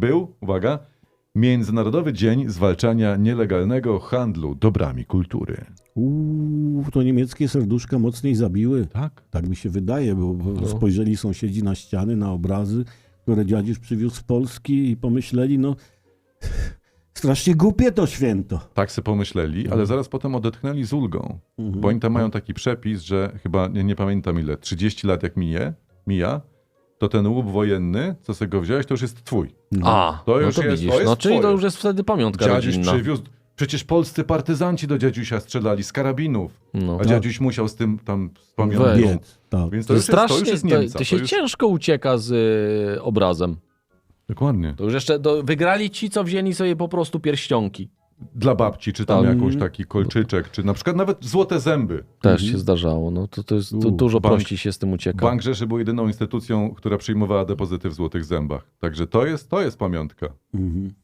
był, uwaga, Międzynarodowy Dzień Zwalczania Nielegalnego Handlu Dobrami Kultury. To niemieckie serduszka mocniej zabiły. Tak? Tak mi się wydaje, bo spojrzeli sąsiedzi na ściany, na obrazy, które dziadziuś przywiózł z Polski i pomyśleli, no strasznie głupie to święto. Tak sobie pomyśleli, ale zaraz potem odetchnęli z ulgą. Bo oni tam mają taki przepis, że chyba, nie pamiętam ile, 30 lat jak mija, to ten łup wojenny, co sobie go wziąłeś, to już jest twój. To już to jest- widzisz. to jest No czyli to twoje. już jest wtedy pamiątka Dziadziuś rodzinna. przywiózł, przecież polscy partyzanci do dziadziusia strzelali z karabinów, No. a dziadziuś musiał z tym tam z pamiątką. Weź. Biec, tak. Więc To jest to już strasznie, jest Niemca. to się już... ciężko ucieka z obrazem. Dokładnie. To już jeszcze wygrali ci, co wzięli sobie po prostu pierścionki. Dla babci, czy tam Tak. jakąś taki kolczyczek, czy na przykład nawet złote zęby. Też się zdarzało. No to jest dużo bank- prościej się z tym ucieka. Bank Rzeszy był jedyną instytucją, która przyjmowała depozyty w złotych zębach. Także to jest pamiątka. Mhm.